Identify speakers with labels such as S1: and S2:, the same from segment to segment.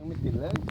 S1: ยังไม่ติดเลย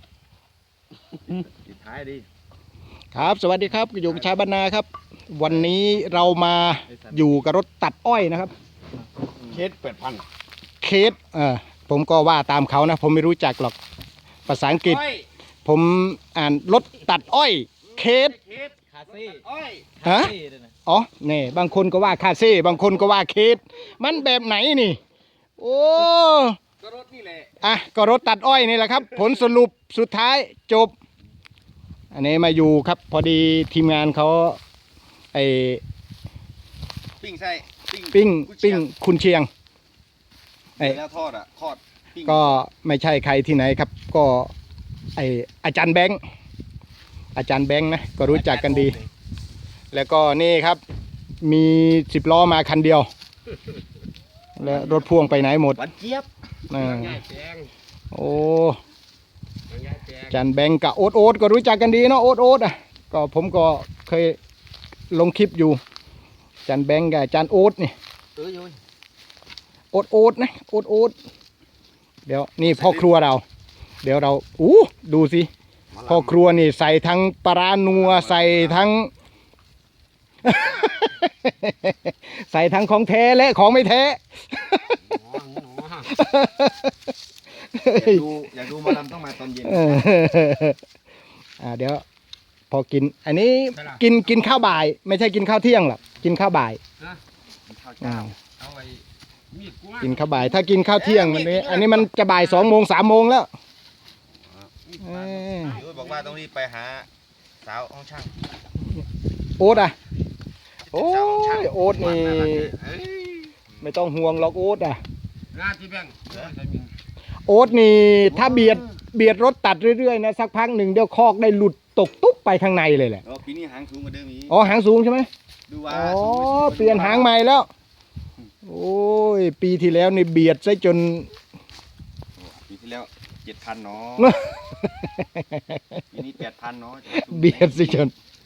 S1: ติดท้ายดิ
S2: ครับสวัสดีครับอยู่กับชายบรรณาครับวันนี้เรามาอยู่กับรถตัดอ้อยนะครับ
S1: เคส8,000
S2: เคสผมก็ว่าตามเขานะผมไม่รู้จักหรอกภาษาอังกฤษผมอ่านรถตัดอ้อยเคส
S1: คาซี่อ้อย
S2: ฮะอ๋อนี่บางคนก็ว่าคาเซ่บางคนก็ว่าเคสมันแบบไหนนี่โอ้
S1: ก็รถนี่แหละ
S2: ก็รถตัดอ้อยนี่แหละครับผลสรุปสุดท้ายจบอันนี้มาอยู่ครับพอดีทีมงานเขาไอ
S1: ปิ้งใช่
S2: ปิ้งคุณเชียง
S1: แล้วทอด
S2: ก็ไม่ใช่ใครที่ไหนครับก็อาจารย์แบงค์นะก็รู้จักกันดีแล้วก็นี่ครับมี10 ล้อมาคันเดียวแล้วรถพ่วงไปไหนหมด
S1: วันเจี๊ยบ
S2: โอ้จันแบงกับโอ๊ตก็รู้จักกันดีเนาะโอ๊ตก็ผมก็เคยลงคลิปอยู่จันแบงกับจันโอ๊ตนี่โอ๊ตนะโอ๊ตเดี๋ยวนี่พ่อครัวเราเดี๋ยวเราดูสิพ่อครัวนี่ใส่ทั้งปลานัวใส่ทั้ง ใส่ทั้งของแท้และของไม่แท้
S1: อยากดูมาลำต้องมาตอนเย็น
S2: เดี๋ยวพอกินอันนี้กินข้าวบ่ายไม่ใช่กินข้าวเที่ยงหรอกกินข้าวบ่ายกินข้าวบ่ายถ้ากินข้าวเที่ยงอันนี้มันจะบ่าย2 โมง 3 โมงแล้ว
S1: บอกว่าต้องรีบไปหาสาวห้องช่าง
S2: โอ๊ตโอ้ยโอ๊ตนี่ไม่ต้องห่วงหรอกโอ๊ตโอ๊ตนี่ถ้าเบียดรถตัดเรื่อยๆนะสักพักหนึ่งเดี๋ยวคอกได้หลุดตกตุ๊บไปข้างในเลยแหละ
S1: ปีนี้หางสูงกว่าเดิมอีก
S2: หางสูงใช่ไหม
S1: ดูว่า
S2: เปลี่ยนหางใหม่แล้วโอ้ยปีที่แล้วนี่เบียดซะจน
S1: ปีที่แล้ว7,000เนาะปีนี้8,000เนาะ
S2: เบียดซะจน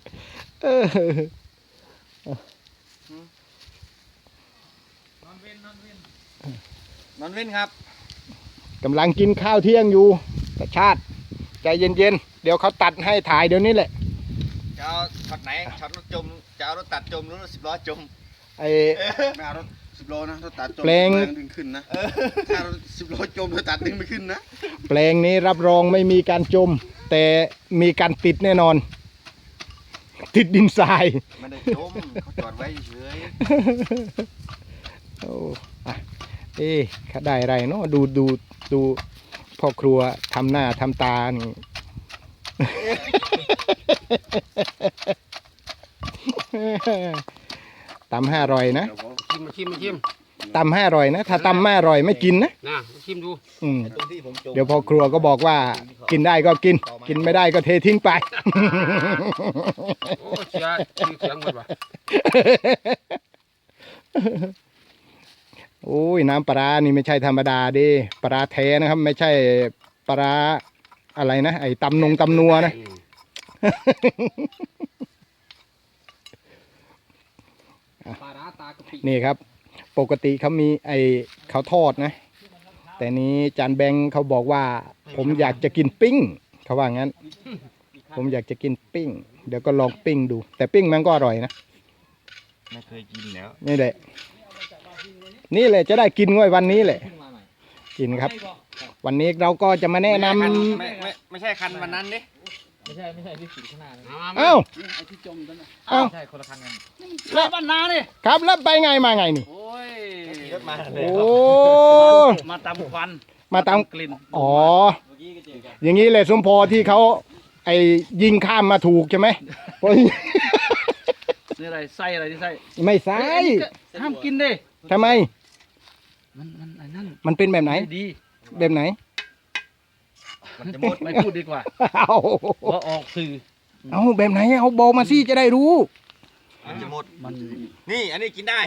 S1: นอนเว้นครับ
S2: กำลังกินข้าวเที่ยงอยู่แต่ชาติใจเย็นๆเดี๋ยวเขาตัดให้ถ่ายเดี๋ยวนี้แหละ
S1: จะเอาช็อตไหนช็อตรถจมจะเอารถตัดจมหรือรถ10 ล้อจมไม่เอารถ10 ล้อนะรถตัดจม
S2: แปลง
S1: ดึงขึ้นนะถ้ารถ10 ล้อจมรถตัดดึงไม่ขึ้นนะ
S2: แปลงนี้รับรองไม่มีการจมแต่มีการติดแน่นอนติดดินทราย
S1: ไม่ได้จมเขาจอดไว้เฉย
S2: โอ้เขาได้อะไรเนาะดูพ่อครัวทำหน้าทำตานี่ตำ5 อร่อยนะ
S3: ชิม
S2: ตำ5 อร่อยนะถ้าตำไม่อร่อยไม่กินนะ
S3: ชิมดู
S2: เดี๋ยวพ่อครัวก็บอกว่ากินได้ก็กินไม่ได้ก็เททิ้งไป
S3: โอ้เสียงหมดว่ะ
S2: โอ้ยน้ำปลานี่ไม่ใช่ธรรมดาดิปลาแท้นะครับไม่ใช่ปลาอะไรนะไอ้ตำนัวนะนี่ครับปกติเขามีเขาทอดนะแต่นี้จานแบงค์เขาบอกว่าผมอยากจะกินปิ้งเขาว่างั้นผมอยากจะกินปิ้งเดี๋ยวก็ลองปิ้งดูแต่ปิ้งมันก็อร่อยนะ
S1: ไม่เคยกินแล้ว
S2: นี่แหละจะได้กินง่อยวันนี้แหละกินครับวันนี้เราก็จะมาแนะนำ
S1: ไม่ใช่คันวันนั้นดิ
S3: ไม่ใช่ที่สีข้างหน้า
S2: เอ้า
S3: ไอ้ที่จมนั่นน่ะใช่คนละคันกัน
S2: แล้วบ้านนานี่ครับแล้วไปไงมาไงนี่
S3: โอ้ย
S1: ขี่รถมา
S2: โอ้
S3: มาตามควัน
S2: มาตามกลิ่นอย่างนี้เลยสมพอที่เขายิงข้ามมาถูกใช่ไหม
S3: นี่อะไรไส้อะไรที่ไส้
S2: ไม่ไส้
S3: ห้ามกินดิ
S2: ทำไม
S3: มันนั่น
S2: มันเป็นแบบไหน
S3: ดี
S2: แบบไหน
S3: มันจะหมดไม่พูดดีกว่าว่าออกสื่อ
S2: เอาแบบไหนเอาบอกมาสิจะได้รู้
S1: มันจะหมดนี่อันนี้กินได้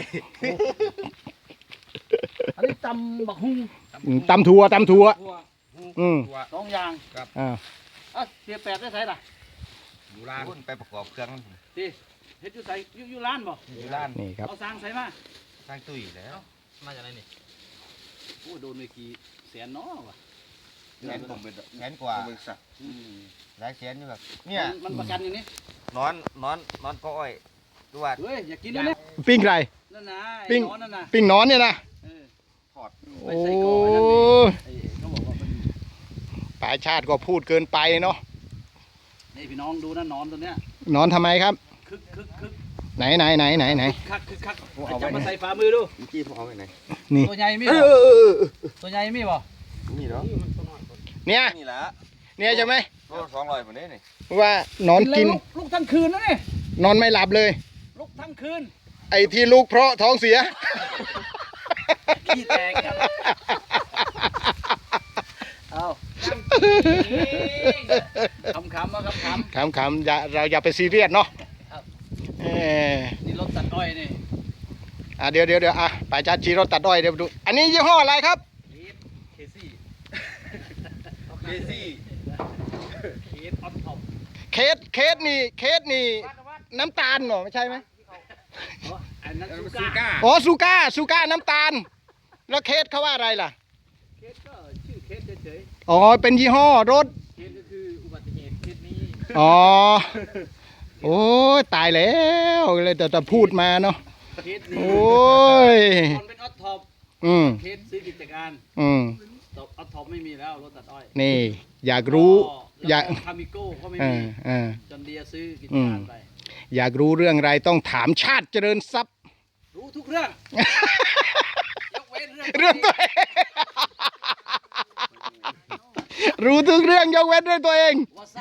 S3: อันนี้ตำบักฮุ้ง
S2: ตำถั่ว2
S3: อย่าง
S1: ครับ
S3: เสีย8ได้ใส่ล่ะ
S1: อยู่ร้านไปประกอบเครื่อง
S3: ดิเฮ็ดอยู่ใส่อยู่ร้านบ่
S1: อยู่ร้าน
S2: นี่ครับ
S3: เอาสร้างใส่มา
S1: สร้างตุ้ยแล้ว
S3: มาจากไหนนี่โอ้โดนเมื่อกี้100,000 เนาะว่ะ
S1: แสนกว่าแสนกว่าหลายแสนอยู่ครับเนี่ย
S3: มันประกันอย่างนี้
S1: นอนก็อ้อยดูว่า
S3: เฮ้ยอย่ากินนะเนี่ย
S2: ปิ้งไก่
S3: นั่นนะ
S2: ปิ้ง
S3: ไอ้นอนนั่นนะ
S2: ปิ้งหนอนเนี่ยนะ
S3: เออ
S1: ถอด
S3: ไป
S2: โอ้
S3: ใส่กรอกนั่นนี่ไอ้เขาบอกว่ามัน
S2: ป่าชาติก็พูดเกินไปเนาะ
S3: นี่พี่น้องดูนะนอนตัวเนี้ย
S2: หนอนทำไมครับ
S3: คึก
S2: ไหน
S3: คักไอ้จับมาใส่ฝ่ามือดู
S1: เมื่อกี้ผมเอาไปไหน
S2: นี่
S3: ตัวใหญ่มี
S1: เอ
S3: บ่
S1: อ
S3: ตัวใหญ่มีบ่
S1: นี่เนาะ
S2: เนี่ย
S1: นี่แหละ
S2: เนี่ยใช่ไหม
S1: โล200ผมได้นี่
S2: ว่าหนอนกิน
S3: ลุกทั้งคืนนะนี่
S2: นอนไม่หลับเลย
S3: ลุกทั้งคืน
S2: ไอ้ที่ลูกเพราะท้องเสีย
S3: ขี้แตกครับเอาขำๆมา
S2: ข
S3: ขำ
S2: ำเราอย่าไปซีเรียสเนาะ
S3: ครับ
S2: เออ
S3: ๆนี่รถตัดอ้อยนี่
S2: เดี๋ยวอ่ะป่าชาติชี้รถตัดอ้อยเดี๋ยวดู อันนี้ยี่ห้ออะไรครับ
S3: เคซี่
S1: เบซี่
S3: เคสออฟท็อป
S2: เคสนี่น้ำตาลเหรอไม่ใช่ไหม
S3: อันนั้นซู
S1: ซู
S3: ก้า
S1: ก้า
S2: อ๋อซูก้าน้ำตาล แล้วเคสเขาว่าอะไรล่ะ
S3: เคสก็ชื่อเคสเฉย
S2: อ๋อเป็นยี่ห้อรถ
S3: ๆเคสก็คืออุบัติเหตุเคสนี้
S2: อ๋อ โอ้ยตายแล้วเลยแต่พูดมาเนาะ
S3: เคสนี้
S2: โอ้ย
S3: ตอนเป็นออฟท็อป
S2: อืม
S3: เคสซื้อกิจการ
S2: อืม
S3: ออฟท็อปไม่มีแล้วรถตัดอ้อย
S2: นี่ อยากรู้ อยาก
S3: คามิโก้ก็ไม่
S2: เอ
S3: มี
S2: อ
S3: จนเดียซื้อกิจการไป
S2: อยากรู้เรื่องอะไรต้องถามชาติเจริญทรัพย์
S3: รู้ทุกเรื่อง ยกเว้นเรื่อง
S2: เรื่องตัวเอง รู้ทุกเรื่องยกเว้นเรื่องตัวเอง
S3: วาซา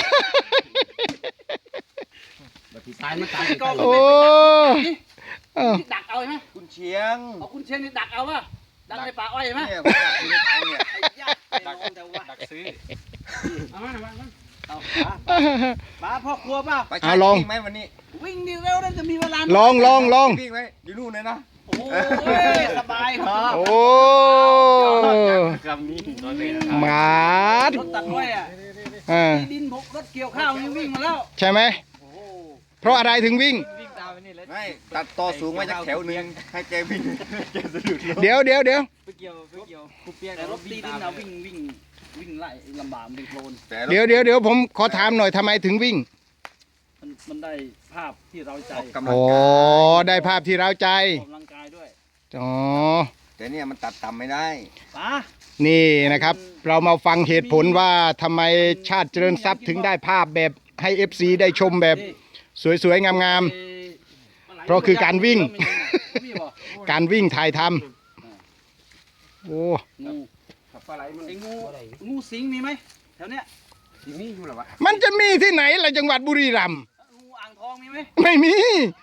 S3: ตายมันตายก็
S2: โอ้เออ
S3: ดักเอาใช่ไหม
S1: คุณเชียง
S3: เอาคุณเชียงนี่ดักเอาป่ะดักในป่าอ้อยใช่ไหม
S1: เนี่ยผมอยากอยู่ในถังเนี่ย
S3: ไอ้ยักษ์ไอ้นอนแต่ว่า
S1: ดักซื้อ
S3: เอามาเอาป้าพ่อครัวป่ะ
S1: ไปใช้วิ่งไหมวันนี้
S3: วิ่งดีเร็วนั่นจะมีเวลา
S2: ลอง
S1: วิ่งไหมอยู่นู่นเลยนะ
S3: โอ้ยสบายครับ
S2: โอ้
S1: คำนี้ตอนนี้
S2: หมาด
S3: รถตัดอ้อยอ่ะ
S2: อ่า
S3: ดินบกรถเกี่ยวข้าวยังวิ่งมาแล้ว
S2: ใช่ไหม
S3: โอ้โห
S2: เพราะอะไรถึงวิ่ง
S3: วิ่งตามไปนี่เลย
S1: ไม่ตัดต่อสูงมาจากแถวนึงให้แกวิ่งแกสะดุดล้ม
S2: เดี๋ยว
S3: ไปเกี่ยวคุเปียแต่รถตีดินเอาวิ่งไล่ลำบากเป็นโคลน
S1: แต่
S2: เดี๋ยวผมขอถามหน่อยทำไมถึงวิ่ง
S3: มันได้ภาพที่เราใจ
S1: ออกกำลัง
S2: อ๋อก
S1: าย
S2: ได้ภาพที่เราใจ
S3: ออกกำลังกายด้วย
S2: อ๋อ
S1: แต่เนี่ยมันตัดต่ำไม่ได้
S3: ป้า
S2: นี่นะครับ เรามาฟังเหตุผลว่าทำไมชาติเจริญทรัพย์ถึงได้ภาพแบบให้ FC ได้ชมแบบสวยๆ งามๆ เพราะคือการวิ่ง
S3: มีบ่
S2: การวิ่งถ่ายทำโอ้
S3: งูไอ้งูสิงมีไหมแถวเนี้ย
S2: มันจะมีที่ไหนล่ะจังหวัดบุรีรัมย์
S3: งูอ่างทองมีไหม
S2: ไม่มี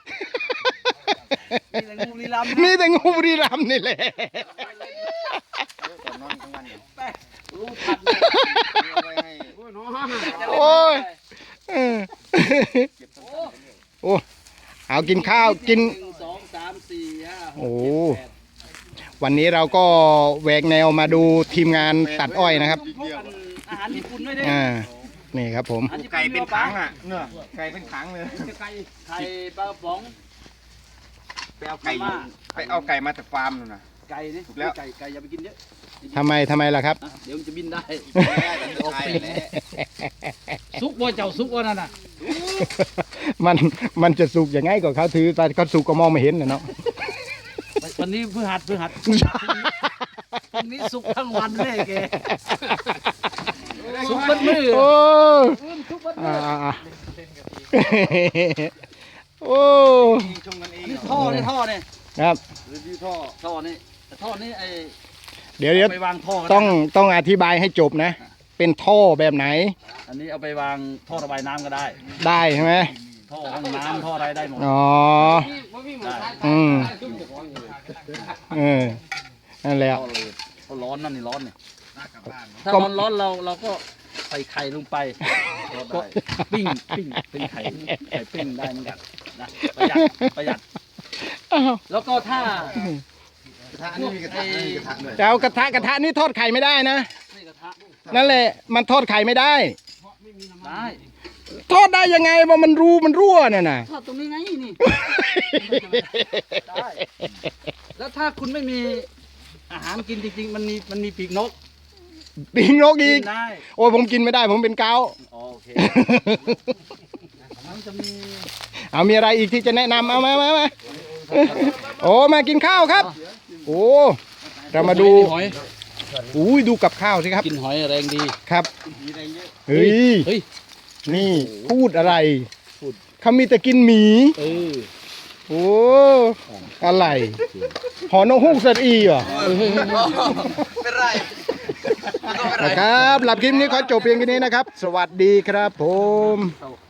S3: มีแต่งูลีลำ
S2: มีแต่งูบุรีรัมย์นี่แหละ
S1: ตอนนอนกลางวันเนี่ย
S3: แป้รูผัด
S1: เอาไว้ให้
S2: โอ้ยเออโอ้เอากินข้าวกิน
S3: 1 2 3 4 5
S2: โอ้
S3: 6 7 8
S2: วันนี้เราก็แหวกแนวมาดูทีมงานตัดอ้อยนะครับ
S3: พวกกันอาหารญี่ปุ่นด้วยเด้
S2: นี่ครับผม
S3: อาหารญี่
S1: ไก่
S3: ปุ่น
S1: เป็นถังอ่ะเนื้อไก่เป็นถังเลย
S3: ไข่ปลากระป๋อง
S1: ไปเอาไก่มาจากฟาร์มนู่นน่ะ
S3: ไก่นี่
S1: ถูกแล้ว
S3: ไก่อย่าไปกินเยอะ
S2: ทำไมล่ะครับ
S3: อ่ะเดี๋ยวมันจะบินได้
S1: ใช่แหละ
S3: ซุกบ่เจ้าซุกบ่นั่นน่ะ
S2: มันจะสุกยังไงก็เขาถือแต่เขาสุกก็มองไม่เห็นนะเนาะ
S3: วันนี้พฤหัสวันนี้สุกทั้งวันเลยแกสุกเบัดมือ
S2: โอ้
S3: สุกเบัดมื
S2: อ่า
S3: อ
S2: โอ้
S1: ชมกันเอง
S3: นี่ท่อนี่
S2: ครับ
S3: รีวิวท่อนี่แต่ท่อนี่ไอ้
S2: เดี๋ยว
S3: ไปวางท่อกัน
S2: ต้องอธิบายให้จบนะ เป็นท่อแบบไหน
S3: อันนี้เอาไปวางท่อระบายน้ำก็ได้
S2: ได้ใช่ไหม
S3: ท่อห้องน้ำท่ออะไรได้หมด
S2: อ๋อ อืมนั่นแหละ
S3: ท่อเลยท่อร้อนนั่นนี่ร้อนเนี่ยถ้า
S2: ก็
S3: ร้อนเราก็ใส่ไข่ลงไปก็ปิ้งเป็นไข่ปิ้งได้เหมือนกันนะประหยัด
S2: อ้าว
S3: แล้วก็ถ้า
S1: อันนี้มีกระทะมีกระทะด้วย
S2: แต่เอากระทะนี่ทอดไข่ไม่ได้นะ
S3: นี่กระทะ
S2: นั่นแหละ มันทอดไข่ไม่ได้
S3: ได้
S2: ทอดได้ยังไงว่ามันรั่วเนี่ยนะ
S3: ทอดตรงนี้ไงนี่ได้แล้วถ้าคุณไม่มีอาหารกินจริงๆมันมีปีกนก
S2: ปิงนกอีก
S3: กินได้
S2: โอ้ยผมกินไม่ได้ผมเป็นเกาต์
S3: โอเคมันจะมี
S2: เอามีอะไรอีกที่จะแนะนำเอามาโอ้มากินข้าวครับ โอ้เรามาดู
S3: หอย
S2: อุ้ยดูกับข้าวสิครับ
S3: กินหอยแรงดี
S2: ครับ
S1: มีอะไรเยอะ
S2: เฮ้ย
S3: เฮ้ย
S2: นี่พูดอะไร
S3: พูด
S2: เขามีแต่กินหมี
S3: เออ
S2: โอ้อะไรหอนกฮูกสตีเหรอ
S1: เป็นไร
S2: นะครับหลับคลิปนี้ขอจบเพียงแค่นี้นะครับ สวัสดีครับผม